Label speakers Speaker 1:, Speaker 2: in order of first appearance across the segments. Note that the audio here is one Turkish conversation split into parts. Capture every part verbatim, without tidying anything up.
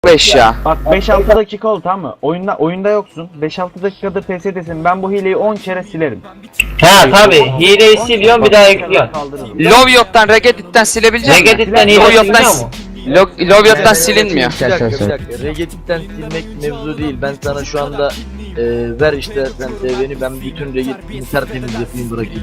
Speaker 1: beş ya.
Speaker 2: Bak beş altı dakika oldu, tamam mı? Oyunda oyunda yoksun. beş altı dakikadır P S'desin. Ben bu hileyi on kere silerim.
Speaker 3: Ha tabi hileyi siliyorsun bir daha ekliyorsun.
Speaker 2: Kaldırırım.
Speaker 1: Lovyot'tan, Regedit'ten silebilecek misin?
Speaker 3: Regedit'ten hile
Speaker 1: Lovyot'tan
Speaker 3: siliniyor mu?
Speaker 1: Lo- Lovyot'tan silinmiyor.
Speaker 4: Bir dakika bir dakika. Regedit'ten silmek mevzu değil. Ben sana şu anda e, ver işte sen beni, ben bütün Regedit'ini tertemiz yapayım bırakayım.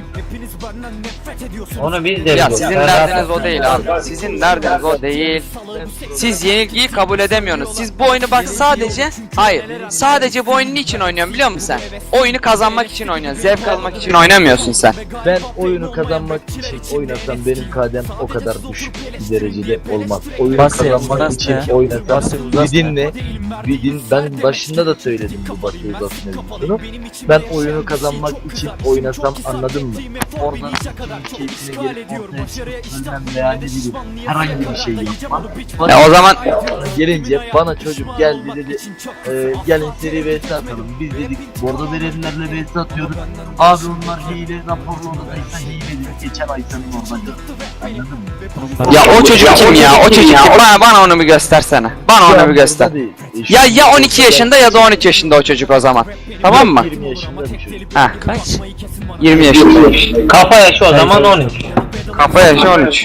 Speaker 3: Onu biz de
Speaker 1: Ya
Speaker 3: biliyoruz.
Speaker 1: sizin
Speaker 3: Sen
Speaker 1: derdiniz
Speaker 3: rahat-
Speaker 1: o değil abi. Sizin derdiniz o değil. Siz yenilgiyi kabul edemiyorsunuz. Siz bu oyunu bak sadece, hayır, sadece bu oyunu niçin oynuyorsun biliyor musun sen? Oyunu kazanmak için oynuyorsun. Zevk almak için oynamıyorsun sen.
Speaker 4: Ben oyunu kazanmak için oynasam benim kadem o kadar düşük bir derecede olmaz. Oyunu
Speaker 5: Basri,
Speaker 4: kazanmak
Speaker 5: Basri
Speaker 4: için
Speaker 5: ya.
Speaker 4: oynasam
Speaker 5: Basri,
Speaker 4: bir
Speaker 5: Basri.
Speaker 4: dinle, bir din. Ben başında da söyledim bu Basri Uzas mevzusunu. Ben oyunu kazanmak için oynasam, anladın mı? Orada keyfine gelip ortaya çıkıp veya ne bileyim herhangi bir şey yapmam.
Speaker 1: Ya o zaman
Speaker 4: Gelince bana çocuk geldi dedi, e, gelin seri V S atalım. Biz dedik bordo verenlerle V S atıyoruz. Abi onlar hile, raporlu odadaysa hile dedik. Geçen ay senin orada. Anladın mı?
Speaker 1: ya o çocuk kim ya? O çocuk kim? Bana, bana onu bir göstersene. Bana onu bir göster. Ya ya on iki yaşında ya da on üç yaşında o çocuk o zaman. Tamam mı?
Speaker 4: yirmi yaşında bir çocuk.
Speaker 1: Heh.
Speaker 5: Kaç?
Speaker 1: yirmi yaşında.
Speaker 3: Kafa yaşı o zaman on üç.
Speaker 1: Kafa yaşı on üç.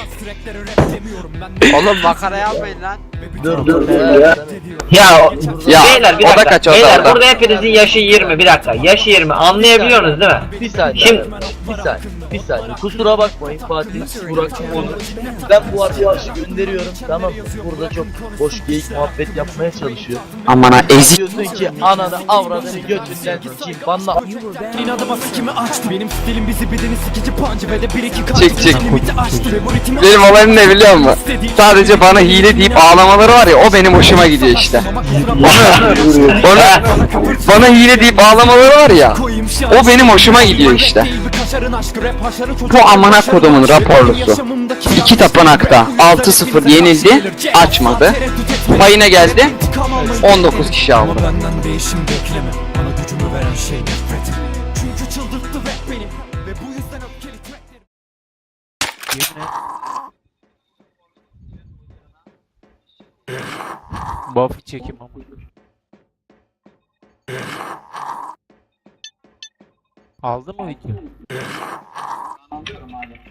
Speaker 6: Oğlum makara yapmayın lan.
Speaker 4: Dur dur.
Speaker 3: Ya,
Speaker 1: Ya,
Speaker 3: beyler bir
Speaker 1: o da
Speaker 3: dakika.
Speaker 1: kaç, o da,
Speaker 3: beyler
Speaker 1: o da.
Speaker 3: burada hepinizin yaşı yirmi, bir dakika. Yaşı yirmi anlayabiliyorsunuz değil mi?
Speaker 4: Bir saniye.
Speaker 3: Şimdi-
Speaker 4: bir saniye. Bir saniye. Kusura bakmayın Fatih, Burak, Onur. Ben bu arkadaşı gönderiyorum. Tamam mı? Burada çok boş geyik muhabbet yapmaya çalışıyor.
Speaker 1: Aman ha ezik.
Speaker 4: Diyorsun ki ananı avradını götünden sikeyim. Banla.
Speaker 7: İnadıma sikimi açtı. Benim stilim bizi bedeni sikici pancı ve de bir iki kaç.
Speaker 1: Çık, çık.
Speaker 7: Limiti aştı ve bu ritmi
Speaker 1: Benim olayım ne biliyor musun? Sadece bana hile deyip ağlamaları var ya, o benim hoşuma gidiyor işte. Bana, bana, bana hile deyip ağlamaları var ya, o benim hoşuma gidiyor işte. Bu amına kodumun raporlusu. İki tapınakta altı sıfır yenildi, açmadı. Payına geldi, on dokuz kişi aldı.
Speaker 7: Ama benden değişim bekleme. Bana gücümü veren şey nefret. Çünkü çıldırttı rap beni. Ve bu yüzden öfkeli tracklerim.
Speaker 5: Buffy çekim ama. Aldı mı video?